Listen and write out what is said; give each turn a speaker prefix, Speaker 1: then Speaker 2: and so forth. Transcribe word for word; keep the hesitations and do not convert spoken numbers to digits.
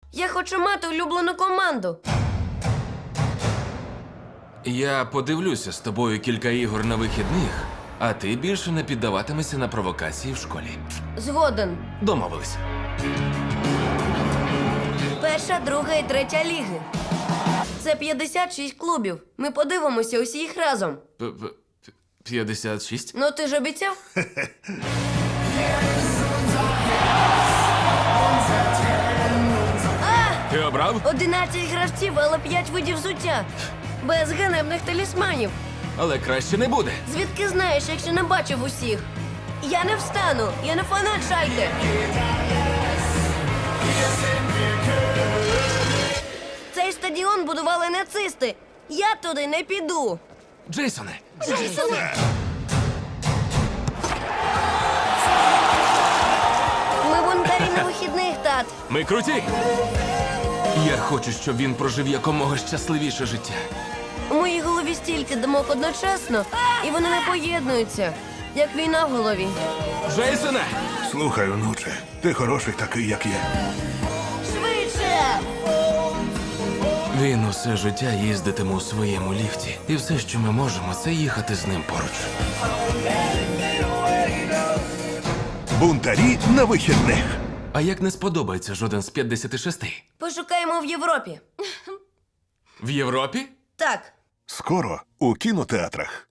Speaker 1: Я хочу мати улюблену команду.
Speaker 2: Я подивлюся з тобою кілька ігор на вихідних, а ти більше не піддаватимешся на провокації в школі.
Speaker 1: Згоден.
Speaker 2: Домовились.
Speaker 1: Перша, друга і третя ліги. Це п'ятдесят шість клубів. Ми подивимося усі їх разом.
Speaker 2: П- п- п'ятдесят шість?
Speaker 1: Ну ти ж обіцяв?
Speaker 2: Ти обрав?
Speaker 1: одинадцять гравців, але п'ять видів взуття. Без ганебних талісманів.
Speaker 2: Але краще не буде.
Speaker 1: Звідки знаєш, якщо не бачив усіх? Я не встану, я не фанат Шальке. Цей стадіон будували нацисти. Я туди не піду.
Speaker 2: Джейсоне,
Speaker 1: Ми бунтарі на вихідних, тат.
Speaker 2: ми круті! Я хочу, щоб він прожив якомога щасливіше життя.
Speaker 1: У моїй голові стільки думок одночасно, і вони не поєднуються, як війна в голові.
Speaker 2: Джейсоне!
Speaker 3: Слухай, онуче, ти хороший такий, як є.
Speaker 1: Швидше!
Speaker 2: Він усе життя їздитиме у своєму ліфті. І все, що ми можемо, це їхати з ним поруч.
Speaker 3: Бунтарі на вихідних.
Speaker 2: А як не сподобається жоден з п'ятдесят шість?
Speaker 1: Пошукаємо в Європі.
Speaker 2: В Європі?
Speaker 1: Так.
Speaker 3: Скоро у кінотеатрах.